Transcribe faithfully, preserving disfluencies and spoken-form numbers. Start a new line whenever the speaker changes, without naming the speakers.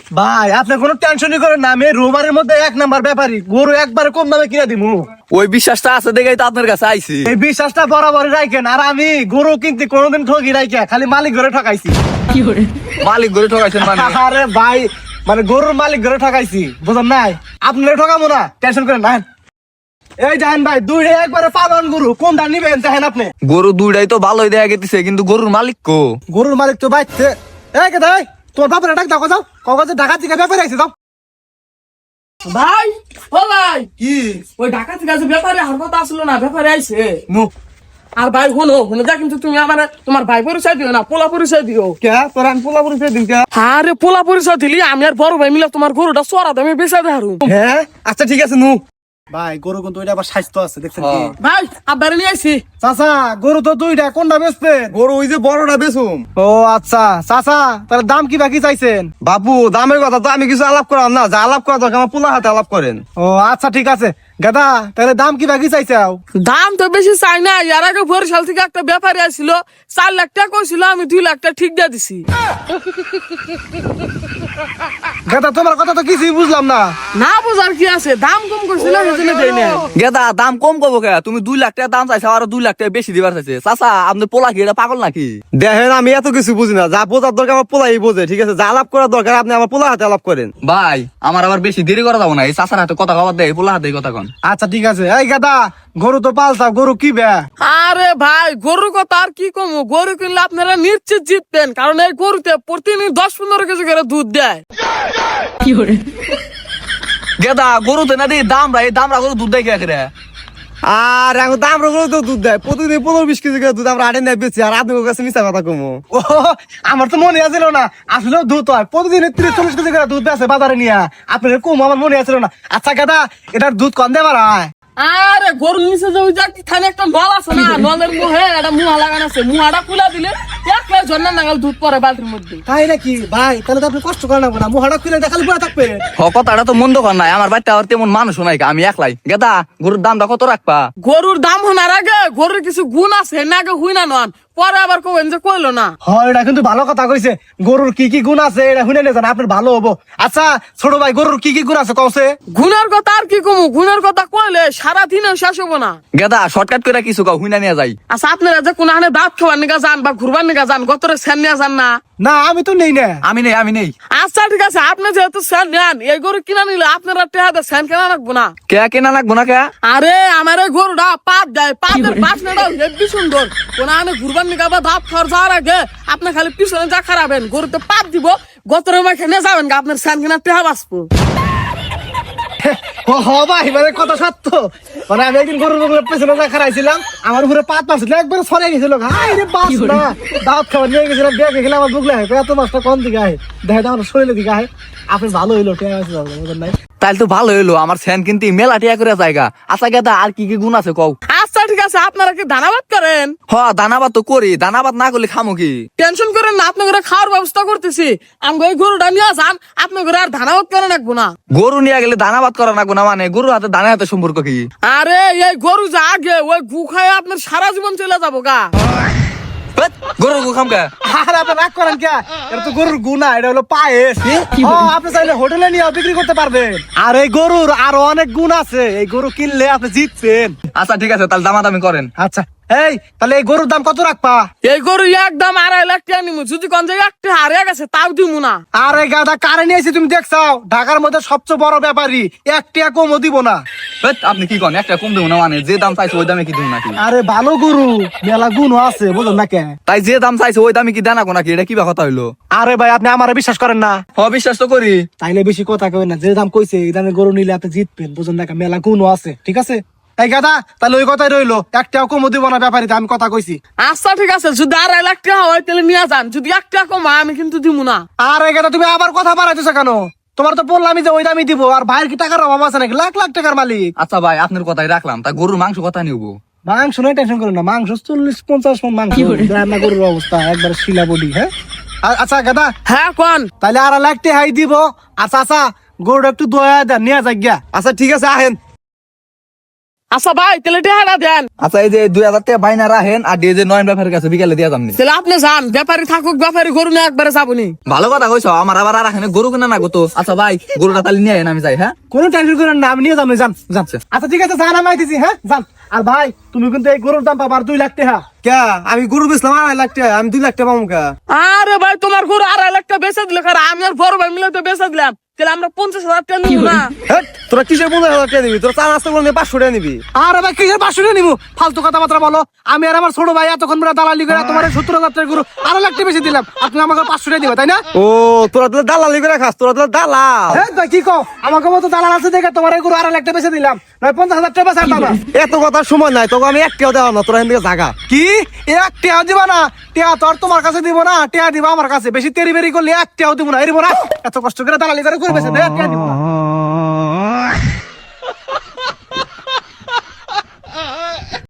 ভাই আপনি কোনো টেনশনই করেন না, আমি রোমারের মধ্যে এক নাম্বার ব্যাপারী, গরু একবারে কম দামে কিনে দিমু।
ওই বিশ্বাসটা আছে দেখেই তো আপনার কাছে আইছি।
এই বিশ্বাসটা বরাবরই রাখেন, আর আমি গরু কিনতে কোনোদিন ঠকি রাখি, খালি মালিক ঘরে ঠকাইছি।
মালিক গরু ঠকাইছেন মানে?
আরে ভাই, মানে গরুর মালিক ঘরে ঠকাইছি, বুঝেন নাই? আপনারা ঠকাবো না, টেনশন করেন না। এই জানেন ভাই, দুইটা একবারে পালন গরু, কোনটা নিবেন দেখেন আপনি।
গরু দুইটাই তো ভালোই দেখা গেছে, কিন্তু গরুর মালিক কো?
গরুর মালিক তো বাইছে। এই কে ভাই, তোমার বাপরে ডাক দাও, যাও কাগজে ঢাকা থেকে ব্যাপারে আইছে, যাও।
ভাই ও ভাই,
কি
ওই ঢাকা থেকে যে ব্যাপারে আর কথা আসলো না, ব্যাপারে আইছে।
নো
আর ভাই হলো হলো যা, কিন্তু তুমি আমার তোমার ভাই পরিচয় দিও না, পোলা পরিচয় দিও।
কে তোর আমি পোলা পরিচয় দিন কে?
আরে পোলা পরিচয় দিলি আমি আর বড় ভাই মিলে তোমার গরুটা চড়া দামে বেচা দেহারু।
হ্যাঁ আচ্ছা ঠিক আছে নু। ভাই গরু কিন্তু ওইটা আবার স্বাস্থ্য আছে, দেখছেন কি?
হ্যাঁ।
ভাই আব্বারে নিয়ে আইছি।
চাচা গরু তো দুইটা, কোনটা বেচবেন?
গরু ওই যে বড়টা বেচুম।
ও আচ্ছা চাচা, তাহলে দাম কি বাকি চাইছেন?
বাপু দামের কথা তো আমি কিছু আলাপ করাম না, যা আলাপ করা দরকার আমার পোলা হাতে আলাপ করেন।
ও আচ্ছা ঠিক আছে গাদা, তাহলে দাম কি বাকি চাইছাও?
দাম তো বেশি চাই না, এর আগে বরিশাল থেকে একটা ব্যাপারে আসছিল, চার লাখ টাকা কইছিল, আমি দুই লাখ টাকা ঠিক দিয়ে দিছি।
গাদা তোমার কথা তো কিছুই বুঝলাম না।
না বুঝার কি আছে, দাম কম করছিল সেজন্য দেই না।
গেদা দাম কম করবো কে? তুমি দুই লাখ টাকা দাম চাইছো, আর দুই লাখ টাকা বেশি দিবার চাইছে। চাচা আপনি পোলা কি এটা পাগল নাকি?
দেখেন আমি এত কিছু বুঝি না, যা বোঝার দরকার আমার পোলাই বোঝে, ঠিক আছে? যা আলাপ করার দরকার আপনি আমার পোলা হাতে আলাপ করেন।
ভাই আমার আবার বেশি দেরি করা যাবো না, এই চাচার হাতে কথা কবার দেয়, পোলা হাতে কথা কন।
আচ্ছা ঠিক আছে। এই গাদা, গরু তো পালতাম, গরু কি বে?
আরে ভাই গরুর কথা আর কি কমু, গরু কিনলে আপনারা নিশ্চিত জিতবেন, কারণ এই গরুতে প্রতিদিন দশ পনেরো কেজি করে দুধ দেয়।
গেদা গরুতে না দিই দাম রা, এই দাম রা গরু দুধ দেয় কে রে?
আর এখন দাম রকম তো দুধ দেয়, প্রতিদিন পনেরো বিশ কেজি করে দুধ আমরা আটে নেয় বেশি, আর আপনার কাছে মিশা কথা কমো।
ও আমার তো মনে আছিল না, আসলে দুধ হয় প্রতিদিন ত্রিশ চল্লিশ কেজি করে দুধ বেছে বাজারে নিয়ে, আপনার কম আমার মনে আছিল না। আচ্ছা গাদা, এটার দুধ কম দেবার হয়?
আরে গরুর নিচে যে ওই যে খানে একটা নল আছে না, নলের মুহে একটা মুহা লাগানো আছে, মুহাটা খুলে দিলে এক প্লেট ঝর্ণা নাগাল দুধ পরে বালতির মধ্যে।
তাই নাকি ভাই? তাহলে তো আপনি কষ্ট করেন না, মুহাটা খুলে দেখালে পুরো থাকবে।
হ কথাটা তো মন্দ কর নাই, আমার বাড়িতে আর তেমন মানুষ নাই, আমি একলাই। গেদা গরুর দামটা কত রাখবা?
গরুর দাম হনার আগে গরুর কিছু গুণ আছে না, আগে হুই না নন, পরে আবার কবেন যে কইলো না।
হয় এটা কিন্তু ভালো কথা কইছে, গরুর কি কি গুণ আছে এটা শুনে নেন, আপনার ভালো হবো। আচ্ছা ছোট ভাই, গরুর কি কি গুণ আছে কওছে?
গুণের কথা আর কি কমু, গুণের কথা কইলে সারা দিনে শেষ হবো না।
গেদা শর্টকাট করে কিছু কাউ হুইনা নিয়ে যাই।
আচ্ছা আপনারা যে কোন হানে দাঁত খাওয়ার নিকা যান বা ঘুরবার নিকা যান, গতরে সেন নিয়ে যান না?
না আমি তো নেই না।
আমি নেই আমি নেই।
আচ্ছা ঠিক আছে, আপনি যেহেতু সেন নেন, এই গরু কিনা নিলে আপনারা টেহাতে সেন কেনা রাখবো না।
কে কেনা লাগবো না কে?
আরে আমার এই গরুটা পাত দেয়, পাতের বাসনাটা হেব্বি সুন্দর। কোন হানে ঘুরবার নিকা বা দাঁত খাওয়ার যাওয়ার আগে আপনি খালি পিছনে যা খারাপেন, গরুতে পাত দিব, গতরে মাখে নিয়ে যাবেন, আপনার সেন কেনা টেহা বাঁচবো।
ও হ ভাই, মানে কথা সত্য। মানে আমি একদিন গরুর বগলের পেছনে যা খারাইছিলাম, আমার উপরে পাত মারছিল, একবার ছড়াই গেছিল। হাই রে বাস না, দাঁত খাবার নিয়ে গেছিলাম, দেখে গেলে আমার বুকলে হয় এত মাছটা কোন দিকে আয়, দেখে তো আমার শরীরের দিকে আয়। আপনি ভালো হইলো, ঠিক আছে বুঝলেন নাই?
তাইলে তো ভালো হইলো, আমার ফ্যান কিন্তু মেলা টিয়া করে জায়গা। আচ্ছা গেদা আর কি কি গুণ আছে কও?
আচ্ছা ঠিক আছে, আপনারা কি ধানাবাদ করেন?
হ দানাবাদ তো করি, দানাবাদ না করলে খামো কি?
টেনশন করেন না, আপনাদের খাওয়ার ব্যবস্থা করতেছি। আমি এই গরুটা নিয়ে যান, আপনাদের আর ধানাবাদ করে রাখবো না।
গরু নিয়ে গেলে দানাবাদ করা লাগবো না মানে? গরুর হাতে দানা হাতে সম্পর্ক কি?
আরে এই গরু যা আগে ওই গু খায় আপনার সারা জীবন চলে যাবো গা।
হেৎ, গরুর গু খাম কে?
আর আপনি রাগ করেন কে? এটা তো গরুর গুনা, এটা হলো পায়েস। ও, আপনি চাইলে হোটেলে নিয়ে বিক্রি করতে পারবেন। আর এই গরুর আরো অনেক গুণ আছে, এই গরু কিনলে আপনি জিতছেন।
আচ্ছা ঠিক আছে, তাহলে দামাদামি করেন।
আচ্ছা এই তাহলে এই গরুর দাম কত রাখবা?
এই গরু একদম আড়াই লাখ টাকা নিমু, যদি কোন জায়গায় একটা হারিয়ে গেছে তাও দিমু না।
আরে গাদা, কারে নিয়েছি তুমি দেখছাও? ঢাকার মধ্যে সবচেয়ে বড় ব্যাপারী, এক টাকা কমও দিব না।
হেৎ, আপনি কি করেন? একটা কম দেবো না মানে? যে দাম চাইছে ওই দামে কি দেবো নাকি?
আরে ভালো গরু, মেলা গুণ আছে, বুঝলেন না কে?
তাই যে দাম চাইছে ওই দামে কি দেনা নাকি? এটা কি বা কথা হইলো?
আরে ভাই, আপনি আমার বিশ্বাস করেন না?
হ বিশ্বাস তো করি।
তাইলে বেশি কথা কই না, যে দাম কইছে এই দামে গরু নিলে আপনি জিতবেন, বুঝলেন না কে? মেলা গুণও আছে, ঠিক আছে? এই গাদা, তাহলে ওই কথাই রইলো, একটাও কমও দিব না ব্যাপারীতে, আমি কথা কইছি।
আচ্ছা ঠিক আছে, যদি আড়াই লাখ টাকা হয় তাহলে নিয়ে যান, যদি এক টাকা কম হয় আমি কিন্তু দিমু না।
আরে গাদা, তুমি আবার কথা বাড়াইতেছো কেন? তোমার তো বললামই যে ওই দামই দিব, আর ভাইয়ের কি টাকার অভাব আছে নাকি? লাখ লাখ টাকার মালিক।
আচ্ছা ভাই আপনার কথাই রাখলাম, তা গরুর মাংস কথা নিবো।
মাংস নয়, টেনশন করো না, মাংস চল্লিশ পঞ্চাশ মন মাংস, রান্না গরুর অবস্থা একবার শিলা বডি। হ্যাঁ আ- আচ্ছা গাদা,
হ্যাঁ কোন?
তাহলে আর লাগতে হাই দিব। আচ্ছা আচ্ছা, গরুটা একটু দয়া দেন, নিয়ে যাক গিয়া।
আচ্ছা ঠিক আছে, আহেন।
আচ্ছা ভাই তাহলে টেহাটা দেন।
আচ্ছা এই যে দুই হাজার টাকা বাইনা রাখেন আর দিয়ে যে নয়ন ব্যাপারের কাছে বিকালে দিয়ে যামনি।
তাহলে আপনি যান, ব্যাপারী থাকুক ব্যাপারী গরু নিয়ে একবারে যাবনি।
ভালো কথা কইছো, আমার আবার আর এখানে গরু কিনা না গো তো। আচ্ছা ভাই গরুটা তাহলে নিয়ে আইন, আমি যাই। হ্যাঁ
কোনো টেনশন করেন না, আমি নিয়ে যাবো, যান যান। আচ্ছা ঠিক আছে, যান আমি আইতেছি। হ্যাঁ যান। আর ভাই তুমি কিন্তু এই গরুর দাম পাবার দুই লাখ টাকা।
কে আমি গরু বেচলাম আড়াই লাখ টাকা, আমি দুই লাখ টাকা পাবো কে?
আরে ভাই তোমার গরু আড়াই লাখ টাকা বেচে দিলে, কারণ আমি আর বড় ভাই মিলে তো বেচে দিলাম, তাহলে আমরা পঞ্চাশ হাজার টাকা নিব না?
হেট, তোরা কিসের পঞ্চাশ হাজার টাকা নিবি? তোরা চা নাস্তা করলে পাঁচশো টাকা নিবি।
আর ভাই কিসের পাঁচশো টাকা নিবো? ফালতু কথাবার্তা বলো। আমি আর আমার ছোট ভাই এতক্ষণ ধরে দালালি করে তোমার সত্তর হাজার টাকা গরু আড়াই লাখ টাকা বেশি দিলাম, আর তুমি আমাকে পাঁচশো টাকা দিবা, তাই না?
ও তোরা তাহলে দালালি করে খাস, তোরা তাহলে দালাল।
হ্যাঁ ভাই কি কও, আমাকে মতো দালাল আছে দেখে তোমার এই গরু আড়াই লাখ টাকা বেশি দিলাম, নয় পঞ্চাশ হাজার টাকা বেচা দাদা।
এত কথার সময় নাই, তোকে আমি এক টাকাও দেওয়া না, তোরা এখান থেকে জাগা।
কি এক টেয়া দিবা না? টেয়া তো আর তোমার কাছে দিব না, টেয়া দিবা আমার কাছে। বেশি তেরি বেরি করলে এক টেয়াও দিব না, এরিব না। এত কষ্ট করে দালালি করে করবে, টেয়া দিব না।